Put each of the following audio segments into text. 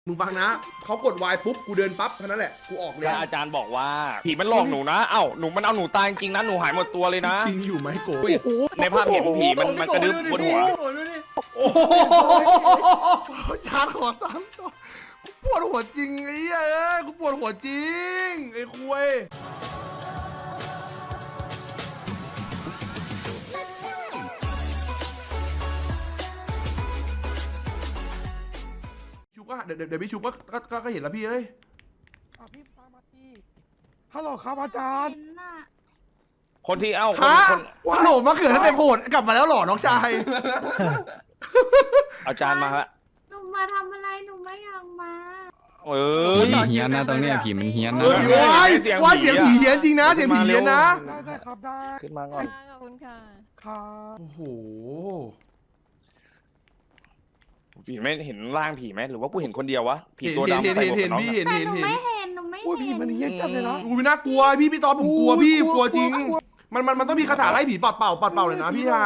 มึงฟังนะเขากดวายปุ๊บกูเดินปั๊บเท่านั้นแหละกูออกเลยถ้าอาจารย์บอกว่าผีมันหลอกหนูนะเอ้าหนูมันเอาหนูตายจริงนะหนูหายหมดตัวเลยนะจริงอยู่ไหมโกอุ้ยในภาพเห็นผีมันกระดึ๊บบนหัวโอ้โหจานขอซ้ำต่อกูปวดหัวจริงไอ้เอ้ยกูปวดหัวจริงไอ้คุยชูก็เดี๋ยวพี่ชูก็เห็นแล้วพี่เอ้ยพี่ฟังมาทีฮัลโหลครับอาจารย์คนที่เอ้าฮะคนฮัลโหลมะเขือตั้งแต่โผล่กลับมาแล้วเหรอน้องชายอาจารย์มาฮะหนูมาทำอะไรหนูไม่อยากมาผีเฮี้ยนนะตรงเนี้ยผีมันเฮี้ยนเอนะอว่าเสียงผีเฮี้ยนจริงนะเสียงผีเฮี้ยนนะได้ครับได้ขึ้นมาก่อนขอบคุณค่ะครับโอ้โหผีไม่เห็นร่างผีไหมหรือว่ากูเห็นคนเดียววะผีเห็นตัวเห็นดำเห็นใส่หมวกเห็นกันน็อกพี่อะเห็นแต่เห็นหนูไม่เห็นหนูไม่อุ้ยผีเห็นมันเฮี้ยนจังเลยนะอุ้ยน่ากลัวพี่ตอนผมกลัวพี่กลัวจริง มันต้องมีคาถาไล่ผีปัดเป่าเลยนะพี่ชาย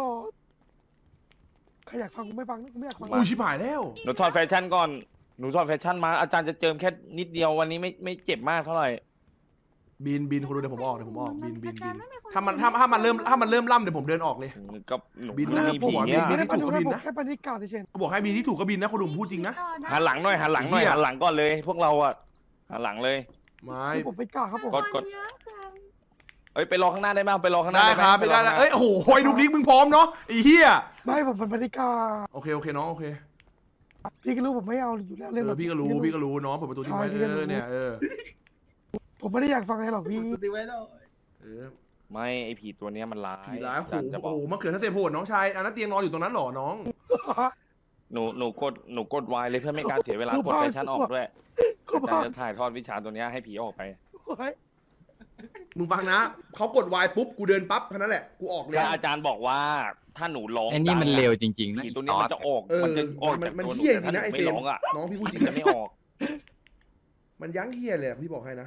ใครอยากฟังกูไม่ฟังกูไม่อยากฟังอุ้ยชิบหายแล้วหนูถอดแฟชั่นก่อนหนูถอดแฟชั่นมาอาจารย์จะเจิมแค่นิดเดียววันนี้ไม่เจ็บมากเท่าไหร่บินคนดูเดี๋ยวผมออกบินอาจารย์ไม่มีคนถ้ามันเริ่มล่ำเดี๋ยวผมเดินออกเลยกับหนูบินนะมีผีเนี่ยบินที่ถูกก็บินนะแค่ปณิกาเฉยกูบอกให้บินที่ถูกก็บินนะคนดูผมพูดจริงนะหันหลังหน่อยหันหลังหน่อยเหี้ยหันหลังก่อนเลย พวกเราอะหันหลังเลยไม่ผมไปกล้าครับผมกดเยอะจังเอ้ยไปรอข้างหน้าได้ไหมไปรอข้างหน้าได้ได้ไหมครับไม่ได้นะเอ้ยโอ้โหไอ้ดุกดิ๊กมึงพร้อมเนาะไอ้เหี้ยไม่ผมเป็นปณิกาโอเคน้องโอเคพี่ก็รู้ผมไม่เอาอยู่แล้วเรื่องพี่ก็รู้น้องเปิดประตูทิ้งไว้เนี่ยผมไม่ได้อยากฟังอะไรหรอกพี่ไม่ไอผีตัวเนี้ยมันร้ายผีร้ายโอ้อาจารย์จะบโหอกมะเขือเทศโผล่น้องชายอันนั้นเตียงนอนอยู่ตรงนั้นหรอน้องหนูกดวายเลยเพื่อไม่การเสียเวลากดแฟชั่นออกด้วยก็อาบจาอรกย์จะถ่ายทอดวิชาตัวเนี้ยให้ผีออกไปมึงฟังนะเขากดวายปุ๊บกูเดินปั๊บเท่านั้นแหละกูออกเลยถ้าอาจารย์บอกว่าถ้าหนูร้องไอ้นี่มันเร็วจริงๆนะผีตัวเนี้ยมันจะออกเออมันจะออกจากมันตัวหนูเฮี้ยจแต่ริถ้าง หนูนะไอไม่เฟรมร้องอะน้องพี่พูดจริงจะไม่ออกมันยั้งเฮี้ยเลยพี่บอกให้นะ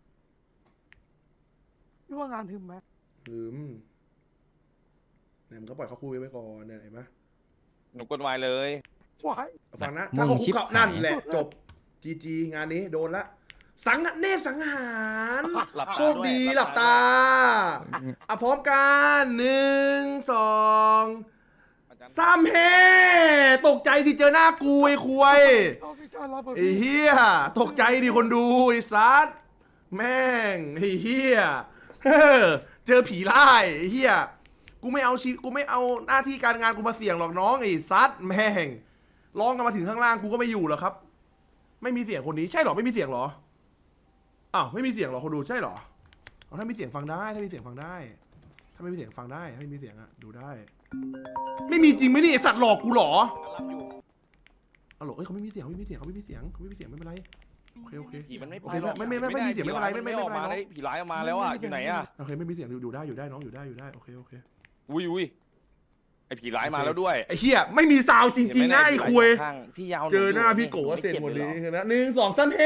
พี่ว่างานถึงไหมลืมเนี่ยมันก็ปล่อยเขาคุยไว้ก่อนเนี่ยเห็นไหมหนูกดวายเลยวายฟังนะถ้าเขาคุกเข่านั่นแหละจบจีงานนี้โดนละสังสังหารหลับตาโชคดีด้วยหลับตาอ่ะพร้อมกัน1 2 อาจารย์ 3เฮตกใจสิเจอหน้ากูไอ้ควยเอาพี่ชายรอเปิดไอ้เฮียตกใจดิคนดูไอ้ซัดแม่งไอ้เฮียเฮ้อเจอผีไล่ไอ้เฮียกูไม่เอาหน้าที่การงานกูมาเสี่ยงหรอกน้องไอ้ซัดแม่งร้องกันมาถึงข้างล่างกูก็ไม่อยู่หรอกครับ ไม่มีเสียงคนนี้ใช่หรอไม่มีเสียงหรออ้าวไม่มีเสียงหรอคนดูใช่หรอถ้ามีเสียงฟังได้ถ้ามีเสียงฟังได้ ถ้าไม่มีเสียงฟังได้ถ้าไม่มีเสียงอะดูได้ ไม่มีจริงไหมนี่ไอ้สัตว์หลอกกูหรอรับอยู่อ๋อเหรอเอ้ยเขาไม่มีเสียงเขาไม่มีเสียงไม่เป็นไรโอเคผีมันไม่โอเคไม่มีเสียงไม่เป็นไรไม่ออกมาได้ผีร้ายออกมาแล้วอ่ะอยู่ไหนอ่ะโอเคไม่มีเสียงอยู่ได้น้องอยู่ได้โอเคอุ้ยไอผีร้ายมาแล้วด้วยไอ้เหี้ยไม่มีซาวจริงๆนะไอ้คุยข้างพี่ยาวเจอหน้าพี่โกะเสร็จหมดเลยเห็นไหม1 2 3เฮ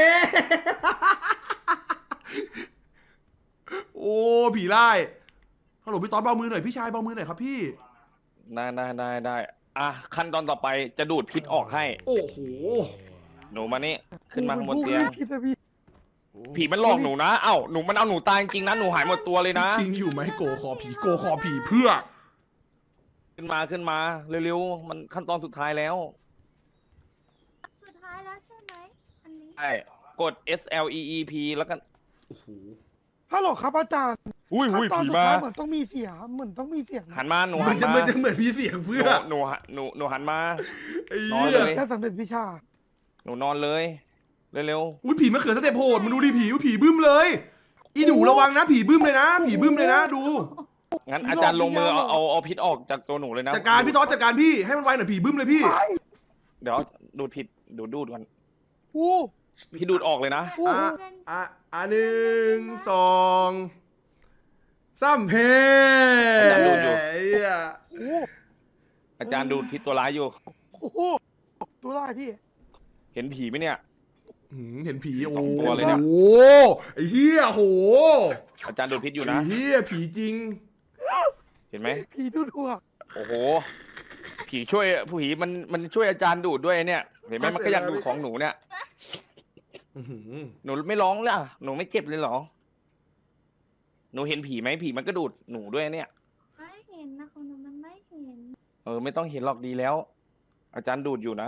โอ้ผีไล่ฮัลโหลพี่ต๊อดเบามือหน่อยพี่ชายเบามือหน่อยครับพี่ได้อ่ะขั้นตอนต่อไปจะดูดพิษออกให้โอ้โหหนูมานี่ขึ้นมาข้างบนเตียงพี่นะพี่ผีมันหลอกหนูนะเอ้าหนูมันเอาหนูตายจริงนะหนูหายหมดตัวเลยนะจริงอยู่ไหมโกขอผีเพื่อขึ้นมาเร็วๆมันขั้นตอนสุดท้ายแล้วสุดท้ายแล้วใช่ไหมอันนี้ใช่กด SLEEP แล้วกันโอ้โหฮัลโหลครับอาจารย์อุ้ยตอนผีสุดมาท้ายเหมือนต้องมีเสียงนะหันมาหนูมัหันนจะมาเหมือนมีเสียงเพื่อหนูหันมาไอ้นอนเหี้เลย ยแค่สำเร็จวิชาหนูนอนเลยเร็วอุ้ยผีมะเขือสเต็ปโหดมึงดูดิผีบึ้มเลยอีหนูระวังนะผีบึ้มเลยนะดูๆงั้นอาจารย์ลงมือเอาพิษออกจากตัวหนูเลยนะจัดการพี่ต๊อดจัดการพี่ให้มันไวหน่อยผีบึ้มเลยพี่เดี๋ยวดูดพิษดูดก่อนอู้พี่ดูดออกเลยนะอู้ 1 2 3เฮอาจารย์ดูดอยู่อู้อาจารย์ดูดพิษตัวร้ายอยู่อู้ตัวได้พี่เห็นผีไหมเนี่ยเห็นผีโอ้สองตัวเลยเนี่ยโหไอ้เหี้ยโหอาจารย์ดูดพิษอยู่ไอ้นะเหี้ยผีจริงเห็นไหมพี่ดูดวงโอ้โหผีมันช่วยอาจารย์ดูดด้วยเนี่ยเห็นไหมมันก็อยากดูดของหนูเนี่ยอ่ะอื้อหือหนูไม่ร้องเลยอ่ะหนูไม่เจ็บเลยเหรอ หนูเห็นผีไหมผีมันก็ดูดหนูด้วยเนี่ยไม่เห็นนะของหนูมันไม่เห็นไม่ต้องเห็นหรอกดีแล้ว อาจารย์ดูดอยู่นะ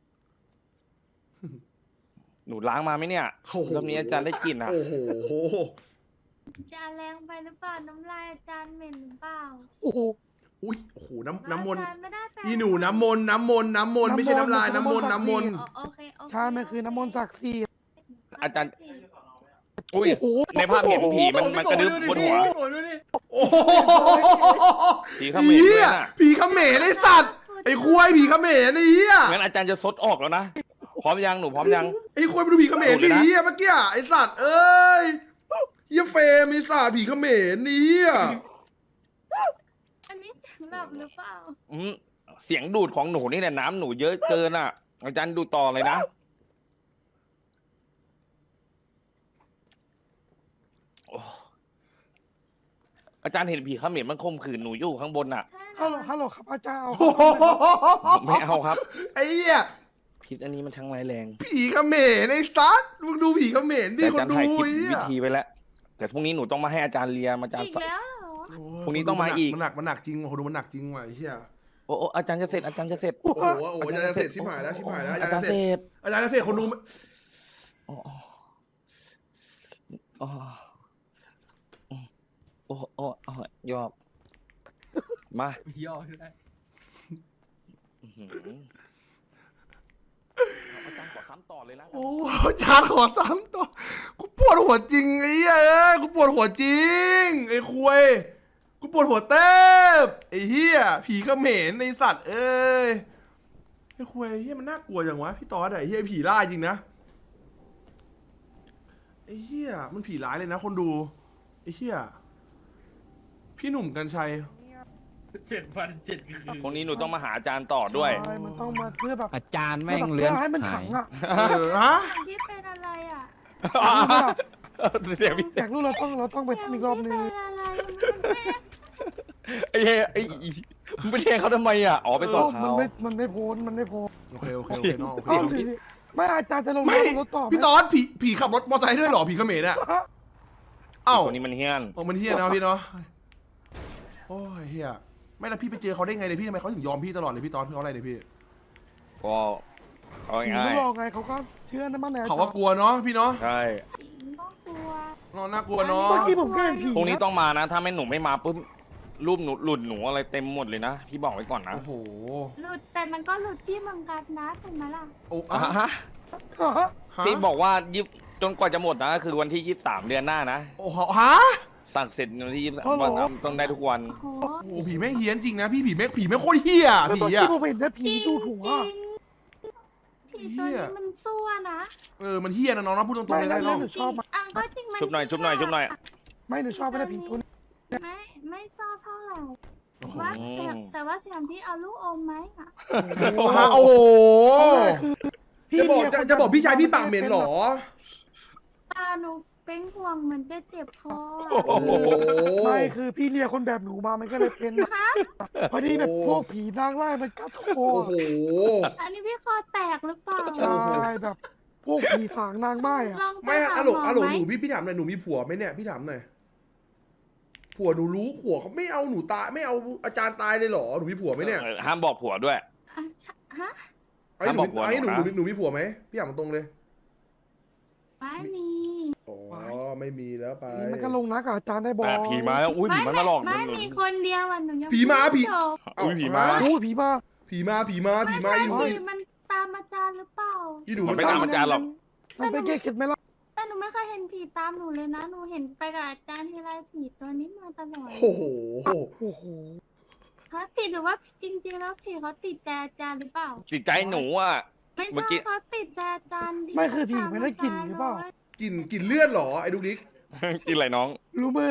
หนูล้างมาไหมเนี่ยโอ้โหรอบนี้อาจารย์ได้กลิ่นอ่ะโอ้โหจะแรงไปหรือเปล่าน้ำลายอาจารย์เหม็นหรือเปล่าโอ้โหอุ้ยโอ้โหน้ำมนต์อาจารย์ไม่ได้แปลงอีหนูน้ำมนต์ไม่ใช่น้ำลายน้ำมนต์น้ำมนต์โอเคโอเคใช่มันคือน้ำมนต์ศักดิ์สิทธิ์อาจารย์ อุ้ยโอ้โหในภาพเห็นผีมันกระดึบบนหัวโอ้โหผีเขมรด้วยเหี้ยน่ะผีเขมรไอ้สัตว์ไอ้ควายผีเขมรไอ้เหี้ยงั้นอาจารย์จะซดออกแล้วนะ พร้อมยังหนูพร้อมยังไอ้ควายไปดูผีเขมรดิเหี้ยเมื่อกี้ไอ้สัตว์เอ้ยเหี้ยเฟรมไอ้สัตว์ผีเขมรนี่เหี้ยอันนี้เสียงหลับหรือเปล่าเสียงดูดของหนูนี่แหละน้ำหนูเยอะเกินอ่ะ อาจารย์ดูต่อเลยนะโอ้อาจารย์เห็นผีเขมรมันข่มขืนหนูอยู่ข้างบนอ่ะฮัลโหลครับอาจารย์เอาโอ้โหไม่เอาครับไอ้เหี้ยพิษอันนี้มันทั้งร้ายแรงผีเขมรไอ้สัตว์มึงดูผีเขมรดิแต่คอาน จารย์ดูถ่ายคลิปไอ้เหี้วิยธีไว้แล้ว แต่พรุ่งนี้หนูต้องมาให้อาจารย์เลียมาอาจารย์อีกแล้วเหรอพรุ่งนี้ต้องมาอีกมันหนักจริงคนดูมันหนักจริงว่ะไอ้เหี้ยโอ้อาจารย์จะเสร็จอาจารย์จะเสร็จโอ้โหอาจารย์จะเสร็จชิบหายแล้วชิบหายแล้วอาอาจาจาร รย์ย์จะเสเสร็จร็จอาจารย์จะเสร็จคนดูโอ้โอ้โอ้โอ้โอ้ยอบมาย่อได้อื้อหืออาจารย์ขอซ้ำต่อเลยนะโอ้อาจารย์ขอซ้ำต่อกูปวดหัวจริงไอ้เหี้ยเอ้ยกูปวดหัวจริงไอ้คุยกูปวดหัวเต้บไอ้เหี้ยผีเขมรไอ้สัตว์เอ้ยไอ้คุยเหี้ยมันน่ากลัวจังวะพี่ตอสอะไอ้เหี้ยผีร้ายจริงนะไอ้เหี้ยมันผีร้ายเลยนะคนดูไอ้เหี้ยพี่หนุ่มกัญชัย 7,700 คืนพรุ่งนี้หนูต้องมาหาอาจารย์ต่อด้วยใช่มันต้องมาเพื่อแบบอาจารย์แม่งเลื้อนให้มันหาขัยงอ่ะฮะคนที่เป็นอะไรอ่ะเสียงพี่อยากรู้เราต้องไปทำอีกรอบนึงเป็นอะไรมันไม่ไอ้เฮ้ยไอ้มึงไปแทงเขาทำไมอ่ะอ๋อไปสอบมัเขามันไม่โพสมันไม่โพสโอเคน้องโอเคเอาสิไม่อาจารย์จะลงไม่รถต่อไหมพี่ตอสผีขับรถมอเตอร์ไซค์ด้วยเหรอผีเขมรอะเอ้าคนนี้มันเฮี้ยนโอ้มันเฮี้ยนะพี่เนาะโอ้ยเฮี้ยไม่แล้วพี่ไปเจอเขาได้ไงเนี่ยพี่ทำไมเขาถึงยอมพี่ตลอดเลยพี่ตอสเขาอะไรเนี่ยพี่ก็เอาผีง่าไม่ยหลอกไงเขาก็เชื่อนะมันแหละเขาว่ากลัวเนาะพี่เนาะๆใช่ผีก็กลัวน่ากลัวเนาะเมื่อกี้ผมก็เห็นผีพรุ่งนี้ต้องมานะ ถ้าไม่หนูไม่มาปุ๊บรูปหนูหลุดหนูอะไรเต็มหมดเลยนะพี่บอกไว้ก่อนนะโอ้โหหลุดแต่มันก็หลุดที่เมืองกันนะเห็นไหมล่ะโอ้อ่ะอะฮะฮะฮะที่บอกว่าจนกว่าจะหมดนะก็คือวันที่23 เดือนหน้านะโอ้โหฮะสั่งเสร็จวันที่23วันต้องได้ทุกวันโอ้โหโอ้ผีแม่งเฮี้ยนจริงนะพี่ผีแม่งโคตรเฮี้ยผีเมื่ออะกี้ผมเห็นนะผีดูถูกจริอ่ะงผีตัวนี้มันซั่วนะมันเฮี้ยนะน้องนะพูดตรงๆเลยได้น้องหนูชอบอ่ะก็จริงมันชุบหน่อยชุบหน่อยชุบหน่อยไม่หนูชอบไม่ได้ผีตัวนี้ไม่ชอบเท่าไหร่โอ้โหว่าแต่ว่าแถมที่เอาลูกอมไหมอ่ะฮะโอ้โหพี่จะบอกพี่ชายพี่ปากเหม็นเหรอตาหนูเป็นห่วงเหมือนจะเจ็บคอโอ้โอ้โหโหไม่คือพี่เลียคนแบบหนูมามันก็เลยเป็นฮะพอดีแบบพวกผีนางไล่มันกัดคอโอ้โหอันนี้พี่คอแตกหรือเปล่าใช่แบบพวกผีสางนางไม้อะลองไปไม่หาอะหโหลมออะโหลไหมหนูพี่ถามหน่อยหนูมีผัวไหมเนี่ยพี่ถามหน่อยผัวหนูรู้ผัวเขาไม่เอาหนูตายไม่เอาอาจารย์ตายเลยเหรอหนูมีผัวไหมเนี่ยห้ามบอกผัวด้วยอ่ะฮะไอ้หนูห้ามบอกผัวไอ้หนูนะหนูมีผัวไหมพี่ถามตรงเลยไม่มีอ๋อไม่มีแล้วไปมันก็ลงนักกับอาจารย์ได้บอกแต่ผีมาแล้วอุ้ยผีมันมาหลอกไม่หนูมีคนเดียวอ่ะหนูยังผีมาผีไจบอุ๊ยผีมาฮะโอ้ยผีมาผีมาอีหนูไม่มันตามอาจารย์หรือเปล่าอีหนูมัมัน นไม่ตาตาม มอาจารย์หรอกมันไปแก้เคล็ดไหมล่ะแต่หนูไม่เคยเห็นผีตามหนูเลยนะหนูเห็นไปกับอาจารย์ทีไรผีตัวนี้มาตลอดโอ้โหโอ้โหฮะผีหรือว่าจริงๆแล้วผีเขาติดใจอาจารย์หรือเปล่าจิตใจหนูอ่ะไม่เมื่อใช่กี้เขาติดใจอาจารย์ที่ไม่คือผีไม่ได้กลิ่นหรือเปล่ากลิ่นเลือดเหรอไอ้ดุกดิกกินอะไรน้องรู้มือ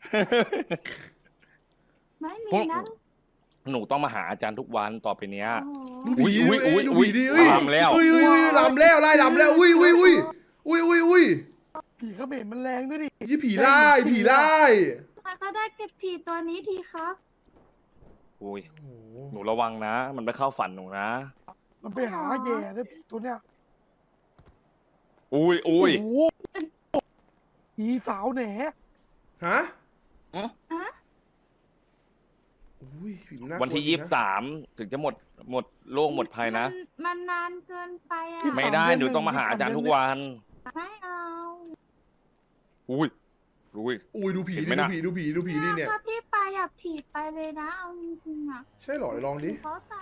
ไม่มีพวกนะหนูต้องมาหาอาจารย์ทุกวันต่อไปเนี้ยโอ้โหดูผีอุ๊ยอุ๊ยดูผีดิอุ๊ยลำแล้วอุ้ยลำแล้วไล่ลำแล้วอุ้ยผีเขมรมันแรงด้วยดิยี่ผีไล่ใครก็ได้เก็บผีตัวนี้ทีครับอุ้ยหนูระวังนะ มันไปเข้าฝันหนูนะมันไปหาแย่ด้วยผีตัวเนี้ยอุ้ยอุ้ยโอ้โหผีสาวแหนฮะฮะอุ้ยผีมันน่ากลัวันที่จริงนะ 23ถึงจะหมดโรคหมดภัยนะมันนานเกินไปอ่ะไม่ได้หนูต้องมาหาอาจารย์ทุกวันไม่เอาอุ้ยอุ้ยอุ้ยดูผีเห็นไหมนี่น่ะดูผีนี่เนี่ยถ้าพี่ไปอยากผีไปเลยนะเอาจริงๆอ่ะใช่เหรอเดี๋ยวลองดิเขาตาย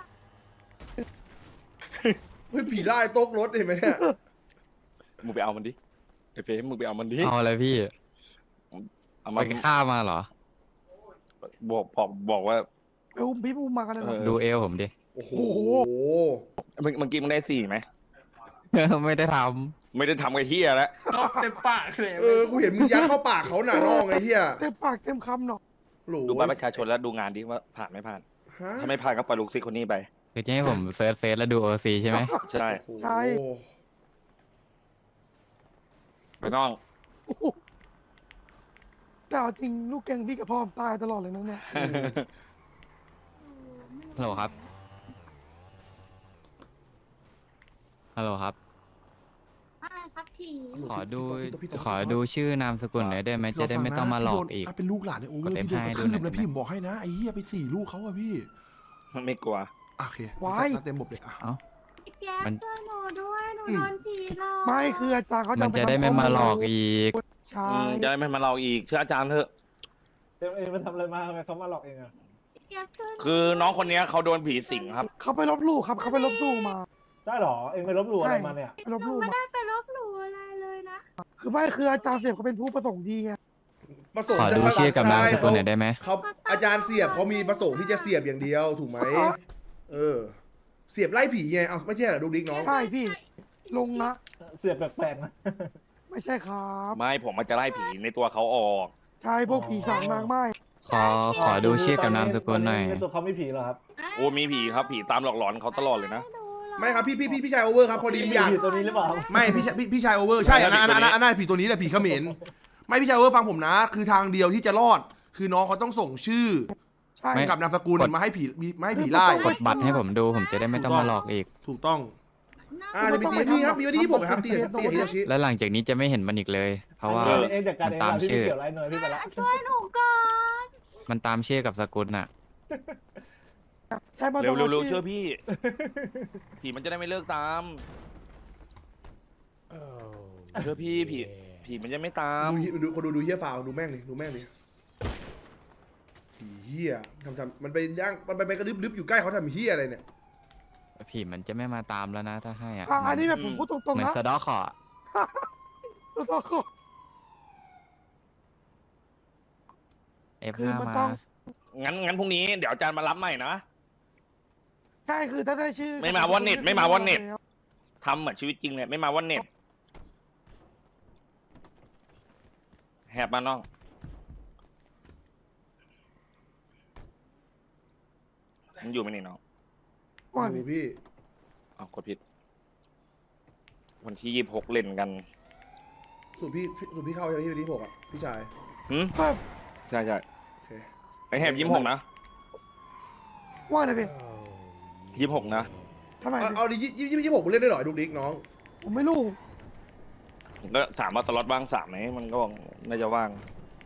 เฮ้ยผีไล่ตกรถเห็นไหมเนี่ยมึงไปเอามันดิไอ้เฟมมึงไปเอามันดิเอาอะไรพี่เอาไปมาฆ่ามาเหรอบอกว่าไปอุ้มพี่อุ้มมากันเลยเออดูเอวผมดิโอ้โหเมื่อกี้มึงได้4ไหมไม่ได้ทไม่ได้ทำไอ้เหี้ยแล้วชอบเต็มปากเลยกูเห็นมึงยัดเข้าปากเขาหน่ะน้องไอ้เหี้ยเต็มปากเต็มคำเนาะโหลดูบัตรประชาชนแล้วดูงานดิว่าผ่านไม่ผ่านฮะถ้าไม่ผ่านก็ปล่อยลูกศิษย์คนนี้ไปำคือจะให้ผมเซิร์ชเฟซแล้วดูโอซีใช่ไหมใช่โอ้โหใช่ไม่ต้องโอ้โหแต่เอาจริงลูกแกงพี่กับพ่อผมตายตลอดเลยนะเนี่ยฮัลโหลครับ ฮัลโหลครับอะไรครับผีขอดูชื่อนามสกุลหน่อยได้ไหมจะได้ไม่ต้องมาหลอกอีกถ้าเป็นลูกหลานเนี่ยโอ้กดยพี่โดน F5 กระดูทืหน่บอยนะได้ไหมพี่ผมบอกให้นะ ไอ้เหี้ยไป4 ลูกเขาอะพี่ไม่กลัวโอเคว้ายเต็มบบเลยอะเอ้าพี่แก๊มันช่วยหนูด้วยหนูอืมโดนผีหลอกไม่คืออาจารย์เขามันจะได้ไม่มาหลอกอีกใช่จะได้ไม่มาเราอีกเชื่ออาจารย์เถอะเองมาทำอะไรมาทำไมเขามาหลอกเองอ่ะพี่แก๊ช่วยหคือน้องคนนี้เขาโดนผีสิงครับเขาไปลบหลู่ครับเขาไปลบหลู่มาได้หรอ เองไปลบหลู่อะไรมาเนี่ยไปลบหหนูลู่ไม่มาได้ไปลบหลู่อะไรเลยนะคือไม่คืออาจารย์เสียบเขาเป็นผู้ประสงค์ดีไงประสงขค์อจะดูชื่อกับนามสกุลหน่อยได้ไหมเขาอาจารย์เสียบเขามีประสงค์ที่จะเสียบอย่างเดียวถูกไหมเออ เสียบไล่ผีไงเอาไม่ใช่เหรอลูกดิ๊กน้องใช่พี่ลงนะเสียบแปลกๆนะไม่ใช่ครับไม่ผมมันจะไล่ผีในตัวเขาออกใช่พวกผีสางนางไม้ขอดูชื่อกับนามสกุลหน่อยในตัวเขาไม่ผีเหรอครับโอ้มีผีครับผีตามหลอกหลอนเขาตลอดเลยนะไม่ครับพี่ชายโอเวอร์ครับพอดีอยากผีตัวนี้หรือเปล่าไม่พี่ชายโอเวอร์ใช่อันนั้นผีตัวนี้แหละผีเขมรไม่พี่ชายโอเวอร์ฟังผมนะ คือทางเดียวที่จะรอด คือน้องเขาต้องส่งชื่อใช่ไม่กับนามสกุลกดมาให้ผีไล่กดบัตรให้ผมดูผมจะได้ไม่ต้องมาหลอกอีกถูกต้องจะมีตีพี่ครับมีวันที่ผมครับตีฮิโรชิแล้วหลังจากนี้จะไม่เห็นมันอีกเลย เพราะว่าเองจัดการมันเองตามพี่ชื่อเกี่ยวไรหน่อยพี่ไปละช่วยหนูก่อนมันตามชื่อกับสกุลน่ะใช่มาเร็วต้องเร็วอาเชื่อพี่ ผีมันจะได้ไม่เลิกตามเชื่อพี่ผีมันจะไม่ตามดูคนดูเฮียฟาวดูแม่งดิดูแม่งดิผีเฮียทำมันไปย่างมันไปกระดึบอยู่ใกล้เขาทำเฮียอะไรเนี่ยผีมันจะไม่มาตามแล้วนะถ้าให้อ่ะอันนี้แบบผมพูดตรงเหมืๆอนนะสะเดอขอตรงๆ F5 คือมันมาต้องงั้นพรุ่งนี้เดี๋ยวอาจารย์มารับใหม่นะใช่คือถ้าได้ชื่อไม่มาวันเน็ตไม่มาวันเน็ต ทำเหมือนชีวิตจริงเลยไม่มาวันเน็ตแหบมาน้องมึงอยู่ไหมนี่น้องก่อนดูพี่อ้าวกดผิด วันที่26เล่นกันสูตรพี่เข้าใช่ไหมพี่วันที่6อ่ะพี่ชายหืมก็ใช่ใช่โอเคไอแหบ26นะว่าอะไรพี่ 26นะทำไมพี่เอาดิ26เล่นได้หรอดูดิ๊กน้องผมไม่รู้ผมก็ถามว่าสล็อตว่าง3ไหมมันก็บอกน่าจะว่าง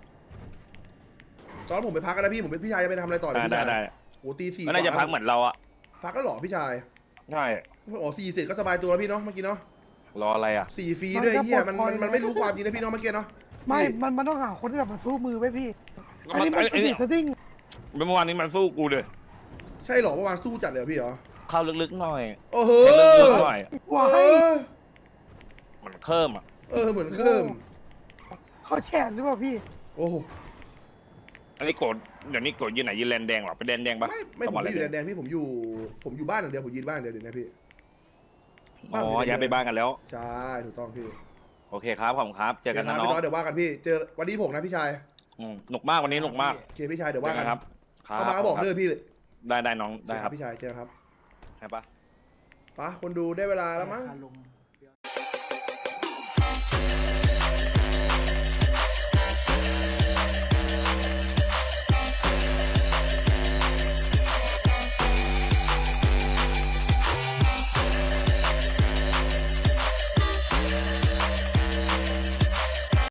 ตอนผมไปพักกันนะพี่ผมเป็นพี่ชายจะไปทำอะไรต่อเนี่ยพี่ได้ชายได้โอ้ตี 4 ก็น่าจะพักเหมือนเราอะพักก็หรอพี่ชายใช่อ๋อ4 เสร็จก็สบายตัวแล้วพี่เนาะเมื่อกี้เนาะรออะไรอะ 4 ฟรีด้วยเฮียมันไม่รู้ความจริงนะพี่เนาะเมื่อกี้เนาะไม่มันต้องหาคนที่แบบมาสู้มือไว้พี่ อันนี้มันไอ้นี่สติ้งเมื่อวานนี้มันสู้กูเลยใช่หรอเมื่อวานสู้จัดเลยพี่เหรอเข้าลึกๆหน่อยโอ้โหลึกๆหน่อยว้าเอย อมันเคิ่มอะเหมือนเคริ่มเขาแฉนหรือเปล่าพี่โอ้โหอันนี้โกดเดี๋ยวนี้โกดยืนไหนยืนแลนแดงหรอไปแดนแดงปะไม่ผมไม่อยู่แดนๆพี่ผมอยู่บ้านอย่างเดียวผมยืนบ้านอย่างเดียวเดี๋ยวนะพี่อ๋อย้ายไปบ้านกันแล้วใช่ถูกต้องพี่โอเคครับขอบคุณครับเจอกันนะพี่น้องน้องเดี๋ยวว่ากันพี่เจอวันนี้ผมนะพี่ชายหนุกมากวันนี้หนุกมากโอเคพี่ชายเดี๋ยวว่ากันครับเข้ามาก็บอกเด้อพี่ได้น้องได้ครับพี่ชายเจอครับใช่ปะปะคนดูได้เวลาแล้วมั้งคาลุง